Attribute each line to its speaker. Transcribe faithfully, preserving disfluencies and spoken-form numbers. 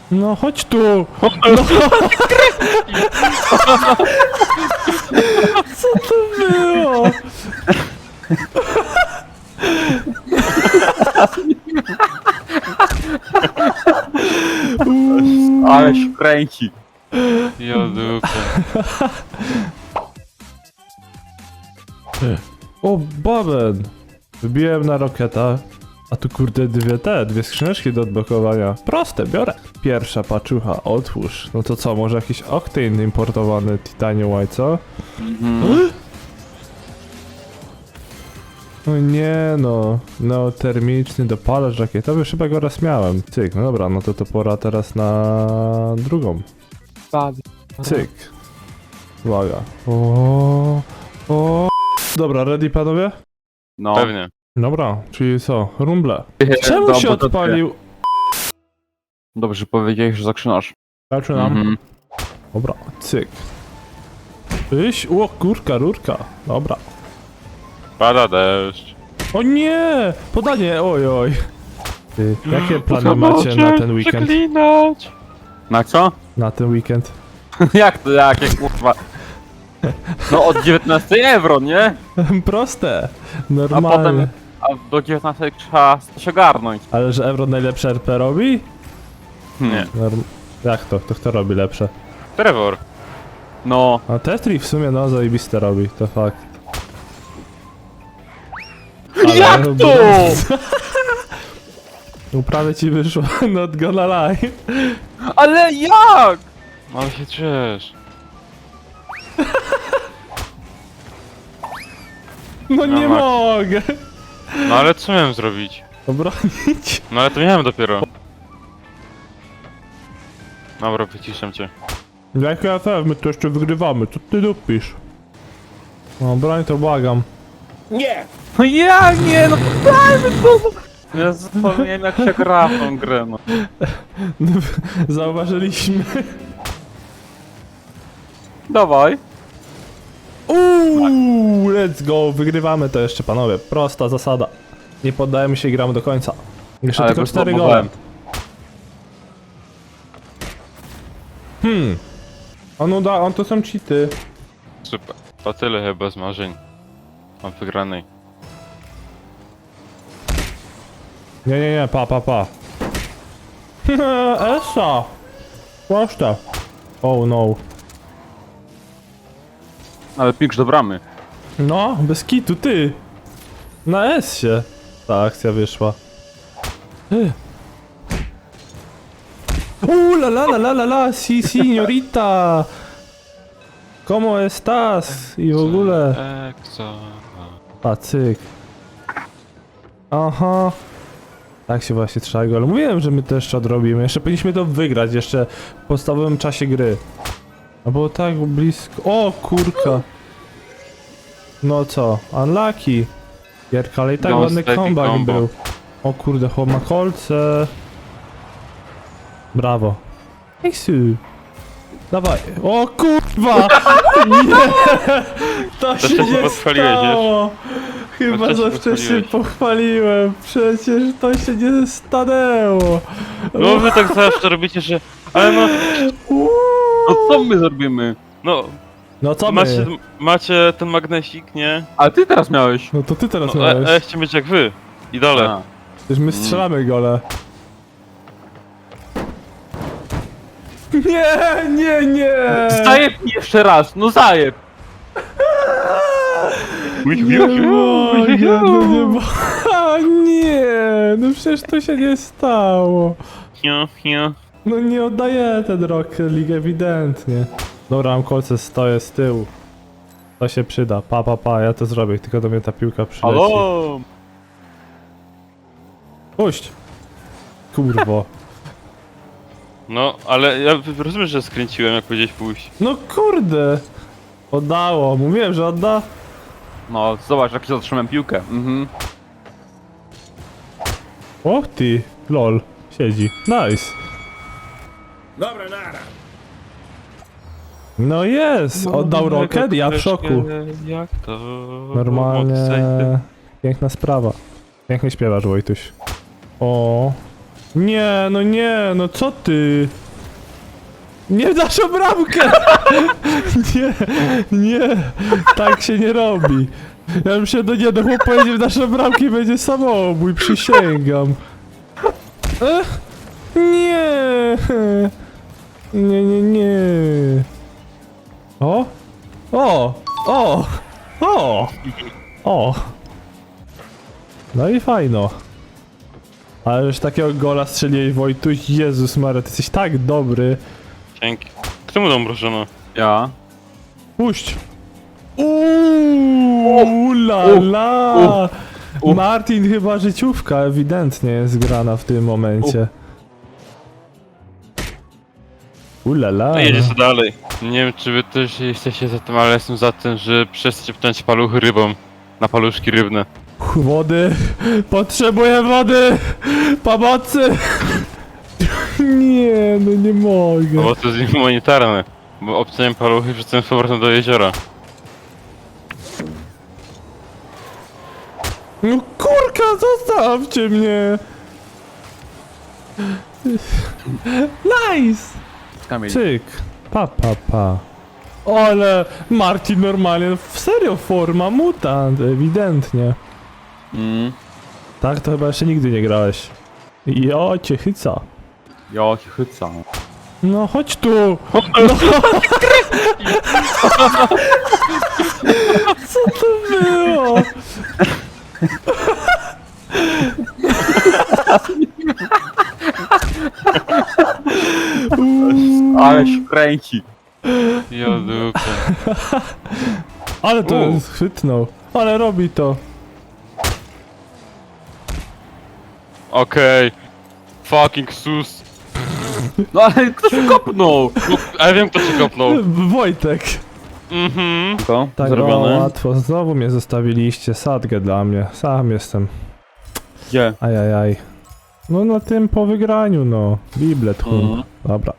Speaker 1: No chodź tu! No. Co to było?
Speaker 2: Ale się kręci.
Speaker 3: Jodupę.
Speaker 1: O, baben! Wybiłem na roketa. A tu kurde dwie te, dwie skrzyneczki do odblokowania. Proste, biorę. Pierwsza paczucha, otwórz. No to co, może jakiś Octane importowany Titanium White, co?
Speaker 2: Mhm.
Speaker 1: No nie no, no termiczny dopalacz rakietowy, już chyba go raz miałem. Cyk, no dobra, no to to pora teraz na drugą. Cyk. Uwaga. O, o. Dobra, ready panowie?
Speaker 2: No.
Speaker 3: Pewnie.
Speaker 1: Dobra, czyli co? Rumble. Czemu
Speaker 2: Dobra,
Speaker 1: się
Speaker 2: to
Speaker 1: odpalił?
Speaker 2: Dobrze powiedziałeś, że zaczynasz.
Speaker 1: Zaczynam.
Speaker 2: Mhm.
Speaker 1: Dobra, cyk. Tyś? O, kurka, rurka. Dobra.
Speaker 3: Pada deszcz.
Speaker 1: O nie! Podanie, oj, oj. Ty, jakie plany macie na ten weekend?
Speaker 3: Przeklinać.
Speaker 2: Na co?
Speaker 1: Na ten weekend?
Speaker 2: Jak to, jak, jak kurwa? No od dziewiętnastej euro, nie?
Speaker 1: Proste.
Speaker 2: A
Speaker 1: Normalnie.
Speaker 2: potem, a do dziewiętnastej trzeba się ogarnąć.
Speaker 1: Ale że Euro najlepsze R P robi?
Speaker 2: Hmm.
Speaker 3: Nie.
Speaker 1: Norm... Jak to? To kto robi lepsze?
Speaker 3: Trevor.
Speaker 2: No.
Speaker 1: A Tetri w sumie no zajebiste robi, to fakt.
Speaker 2: Jak to?
Speaker 1: No prawie ci wyszło, not gonna lie.
Speaker 2: Ale jak?
Speaker 3: Ale się drzesz.
Speaker 1: No nie
Speaker 3: Max.
Speaker 1: mogę.
Speaker 3: No ale co miałem zrobić?
Speaker 1: Obronić.
Speaker 3: No ale to miałem dopiero. Dobra, wyciszam cię.
Speaker 1: Jak ja F, my to jeszcze wygrywamy, co ty dupisz? No broń to błagam.
Speaker 2: No ja nie, no dajmy to! Ja zapomniałem jak się gra w tą grę, no.
Speaker 1: Zauważyliśmy.
Speaker 2: Dawaj.
Speaker 1: Uuu, let's go, wygrywamy to jeszcze panowie, prosta zasada. Nie poddajemy się i gramy do końca. Jeszcze
Speaker 2: Ale
Speaker 1: tylko
Speaker 2: go
Speaker 1: cztery gole.
Speaker 2: zbomowałem.
Speaker 1: Hmm. On uda, on to są cheaty.
Speaker 3: Super. To tyle chyba z marzeń. Mam wygranej.
Speaker 1: Nie, nie, nie, pa, pa, pa. Esa! Proste. Oh no.
Speaker 2: Ale piksz do bramy.
Speaker 1: No, bez kitu, ty! Na S się ta akcja wyszła. Eh. Uuu, la la la la la la, si, signorita! Como estás? I w ogóle...
Speaker 3: Eksa.
Speaker 1: A, cyk. Aha. Tak się właśnie trzeba go, ale mówiłem, że my to jeszcze odrobimy. Jeszcze powinniśmy to wygrać, jeszcze w podstawowym czasie gry. A było tak blisko... O, kurka! No co? Unlucky! Gierka, ale i tak
Speaker 3: Don't
Speaker 1: ładny
Speaker 3: steady
Speaker 1: comeback
Speaker 3: combo.
Speaker 1: był. O kurde, chłop ma kolce. Brawo. Ejsu. Dawaj. O kurwa! Nie! To się
Speaker 3: wcześnie
Speaker 1: nie
Speaker 3: pochwaliłeś,
Speaker 1: stało! Chyba
Speaker 3: To
Speaker 1: za
Speaker 3: wcześnie
Speaker 1: wcześnie
Speaker 3: pochwaliłeś.
Speaker 1: pochwaliłem. Przecież to się nie stanęło.
Speaker 3: No wy tak zawsze robicie, że... Ale no...
Speaker 1: Uuu.
Speaker 2: No co my zrobimy?
Speaker 3: No...
Speaker 1: No co
Speaker 3: Macie,
Speaker 1: my?
Speaker 3: macie ten magnesik, nie?
Speaker 2: Ale ty teraz miałeś.
Speaker 1: No to ty teraz
Speaker 3: No, a, a
Speaker 1: miałeś.
Speaker 3: ja chciałem być jak wy. Idole.
Speaker 2: A.
Speaker 1: Przecież my strzelamy gole. Nie, nie, nie!
Speaker 2: Zajeb mi jeszcze raz, no zajeb!
Speaker 1: Nie mogę, no nie mogę. Nie, no przecież to się nie stało.
Speaker 3: Hiu, hiu.
Speaker 1: No nie oddaję ten Rocket League ewidentnie. Dobra, mam kolce, stoję z tyłu. To się przyda, pa pa pa, ja to zrobię, tylko do mnie ta piłka przyleci.
Speaker 2: Halo!
Speaker 1: Puść! Kurwo.
Speaker 3: No, ale ja rozumiem, że skręciłem, jak powiedziałeś pójść.
Speaker 1: No kurde! Oddało, mówiłem, że odda.
Speaker 2: No zobacz, jak się zatrzymałem piłkę. Mhm.
Speaker 1: O ty, lol, siedzi. Nice.
Speaker 4: Dobra, nara.
Speaker 1: No jest, oddał Rocket, ja w szoku.
Speaker 3: Jak to?
Speaker 1: Normalnie, piękna sprawa. Pięknie śpiewasz, Wojtuś. O. Nie, no nie, no co ty? Nie w naszą bramkę! Nie, nie, tak się nie robi. Ja bym się do nie, do chłop pojedzie w naszą bramkę i będzie samobój, przysięgam. E? Nie! Nie, nie, nie. O! O! O! O! O! No i fajno. Ale już takiego gola strzeliłeś, Wojtuś, Jezus Maria, ty jesteś tak dobry.
Speaker 3: Dzięki. Kto mu dał mrożono?
Speaker 2: Ja.
Speaker 1: Puść! Uuuu, la la!
Speaker 2: u.
Speaker 1: Martin chyba życiówka ewidentnie jest grana w tym momencie. Ulala.
Speaker 3: No jedzie co dalej. Nie wiem, czy wy też jesteście za tym, ale jestem za tym, że przestańcie ptać paluchy rybom. Na paluszki rybne.
Speaker 1: Wody! Potrzebuję wody! Pomocy! Nie, no nie
Speaker 3: No
Speaker 1: mogę.
Speaker 3: bo to jest humanitarne. Bo obcałem paluchy i wrzucałem z powrotem do jeziora.
Speaker 1: No kurka, zostawcie mnie! Nice!
Speaker 2: Kamil.
Speaker 1: Cyk, pa pa pa. Ale Martin normalnie, w serio forma mutant, ewidentnie.
Speaker 2: Mm.
Speaker 1: Tak, to chyba jeszcze nigdy nie grałeś. Jo, cię chyca.
Speaker 2: Ja cię chycam.
Speaker 1: No chodź tu! No. Co to było? Uuu,
Speaker 2: Ale się kręci.
Speaker 3: Ja dupę.
Speaker 1: ale to
Speaker 3: U.
Speaker 1: chwytnął. Ale robi to.
Speaker 3: Okej. Fucking sus.
Speaker 2: No ale kto się kopnął?
Speaker 3: No, a ja wiem, kto się kopnął.
Speaker 1: Wojtek.
Speaker 3: Mhm.
Speaker 2: To
Speaker 1: Tak,
Speaker 2: zrobione.
Speaker 1: o, łatwo. Znowu mnie zostawiliście. Sadgę dla mnie. Sam jestem.
Speaker 2: Gdzie?
Speaker 1: Ajajaj. No na tym po wygraniu, no. Biblet hum.
Speaker 2: Mhm.
Speaker 1: Dobra.